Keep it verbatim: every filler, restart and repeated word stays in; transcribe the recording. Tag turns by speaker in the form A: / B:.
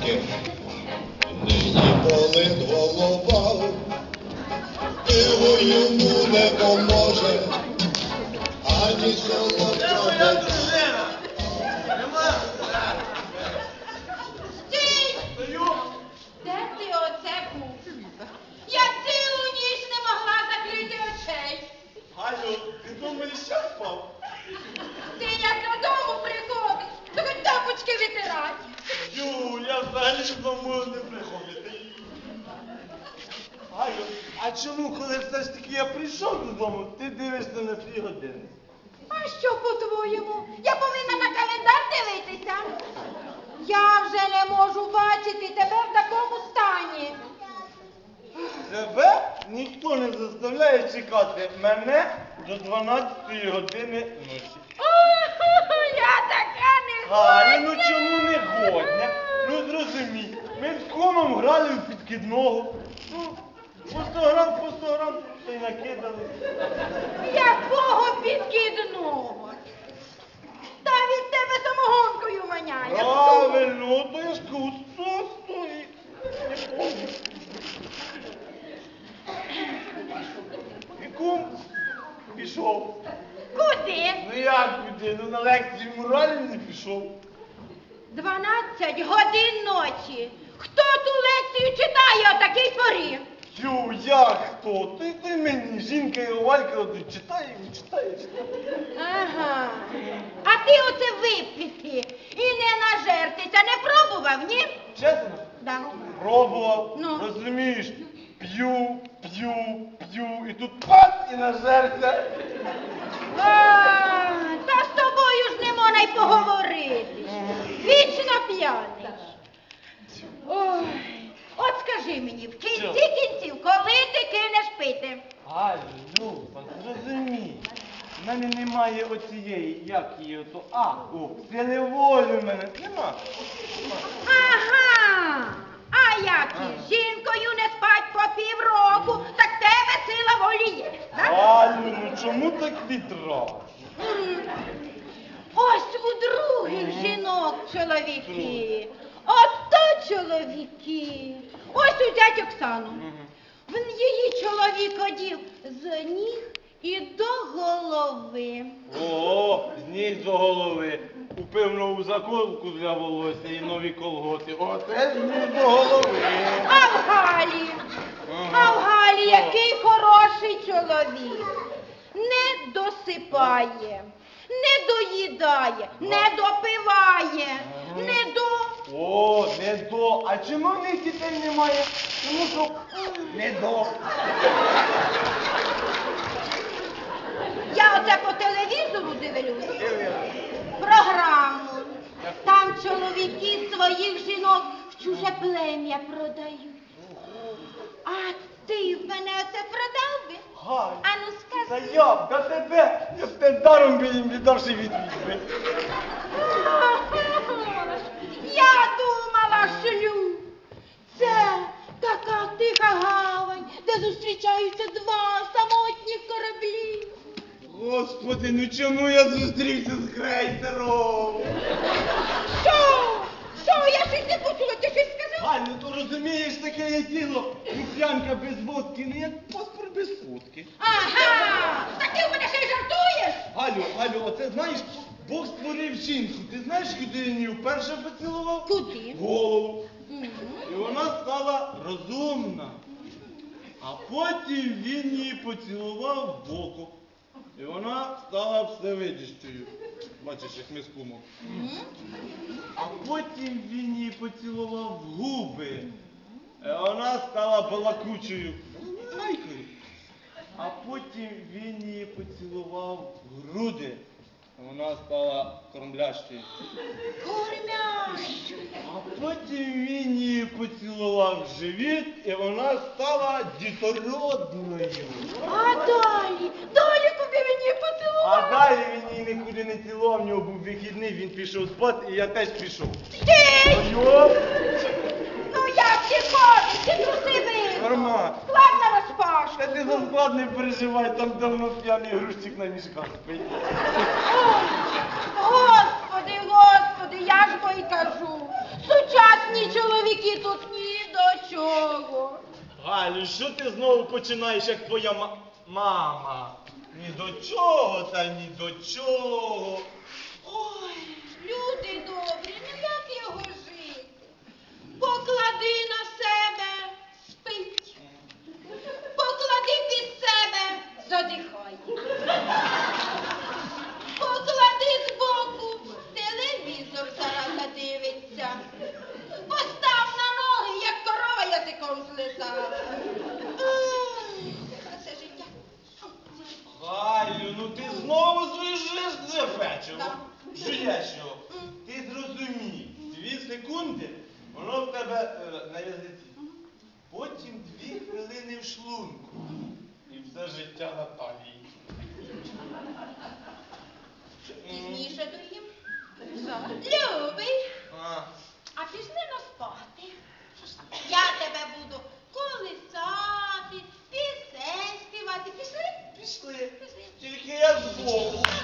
A: ріки, нині болить голова, пиво йому не поможе, ані солодка вода.
B: Стій! Де ти оце був? Я цілу ніч не могла закрити очей.
C: Галю, ти думаєш, що спав?
B: Ти як додому приходиш, то хоч тапочки витирати.
C: Ю, я взагалі додому не приходити. Галю, а чому, коли все ж таки я прийшов додому, ти дивишся на свій годинник?
B: А що по-твоєму? Я повинна на календар дивитися. Я вже не можу бачити тебе в такому стані.
C: Тебе ніхто не заставляє чекати мене до дванадцятої години ночі.
B: О, я така не
C: Галю, ну чому не годня? Ну зрозумій, ми з кумом грали в підкидного. Ну, по сто грам, по сто грам, та й накидали.
B: Якого підкидного? Та від тебе самогонкою воняє.
C: Правильно, то я ж кажу, сто стоїть. І кум пішов.
B: Куди?
C: Ну як куди? Ну на лекцію моралі не пішов.
B: Дванадцять годин ночі. Хто ту лекцію читає о такій порі?
C: Тю, як хто? Ти, ти мені, жінка і Валька тут читає, читає, читає.
B: Ага. А ти оце випити і не нажертися не пробував, ні?
C: Чесно?
B: Да.
C: Пробував,
B: Ну.
C: розумієш, п'ю, п'ю, п'ю, і тут пац і нажерся.
B: А, та з тобою ж не можна й поговорити. Вічно п'яний. Ой, от скажи мені, в кінці
C: Що?
B: кінців, коли ти кинеш пити?
C: Галю, Люба, зрозумій, в мене немає оцієї, як її ото, а, о, сили волі в мене нема.
B: Ага. А як із жінкою не спать по півроку, так в тебе сила волі є, так?
C: Галю, ну чому так відразу?
B: М. Ось у других жінок чоловіки. От то чоловіки. Ось узять Оксану. В її чоловік одів з ніг і до голови.
C: О, з ніг до голови. Купив нову заколку для волосся і нові колготи. Оце з ніг до голови.
B: А в Галі, а в Галі який хороший чоловік. Не досипає, не доїдає, не допиває, не до...
C: О, не до. А чому в них дітей немає? Тому що не до.
B: Я оце по телевізору дивлюсь. Програму. Там чоловіки своїх жінок в чуже плем'я продають. А ти в мене оце продав би?
C: Галь,
B: Ану
C: та
B: скажи.
C: я б до тебе, я б тебе даром би їм віддавши відвідь.
B: Я думала, шлюб. Це така тиха гавань, де зустрічаються два самотніх кораблі.
C: Господи, ну чому я зустрівся з крейсером?
B: Що? Що? Я щось не почула, ти щось сказав?
C: Галь, ну то розумієш, таке є діло. Куп'янка без водки, не як паспорт без фотки.
B: Ага, так ти в мене ще й жартуєш?
C: Галю, Галю, оце знаєш, Бог створив жінку. Ти знаєш, куди він її вперше поцілував?
B: Куди?
C: В голову.
B: Мгм.
C: І вона стала розумна. А потім він її поцілував в око. І вона стала всевидящою. Бачиш, як ми з кумом.
B: Мгм.
C: А потім він її поцілував в губи. І вона стала балакучою. Лайкою. А потім він її поцілував в груди. І вона стала кормлящою.
B: Кормящу.
C: А потім він її поцілував в живіт, і вона стала дітородною.
B: А далі? Далі куди він її поцілував?
C: А далі він її нікуди не цілував, в нього був вихідний, він пішов спати, і я теж пішов.
B: Стій!
C: Йоп!
B: Ну як ти ходиш? Ти труси вийшов.
C: Нормально.
B: Склад на розпашку.
C: Та ти за склад не переживай, там давно п'яний грузчик на мішках спить.
B: Ой, Господи, Господи, я ж бо й кажу. Сучасні чоловіки чоловіки тут ні до чого.
C: Галю, що ти знову починаєш, як твоя ма- мама? Ні до чого та ні до чого.
B: Ой, люди добрі, ну як його жити? Поклади на себе, спить. Поклади під себе, задихай. Поклади збоку, телевізор зараз задивиться. Постав на ноги, як корова язиком злизала. Ай, Це життя.
C: Галю, ну ти знову звижиш це печиво.
B: Так.
C: Жуєш його. Ти зрозумій, дві секунди, воно в тебе е, на язиці. Потім дві хвилини в шлунку. І все життя на талії.
B: Пізніше доїм. Любий,
C: А,
B: а пішли на спати. Я тебе буду колисати, пісень співати. Пішли?
C: пішли.
B: Пішли.
C: Тільки я збоку.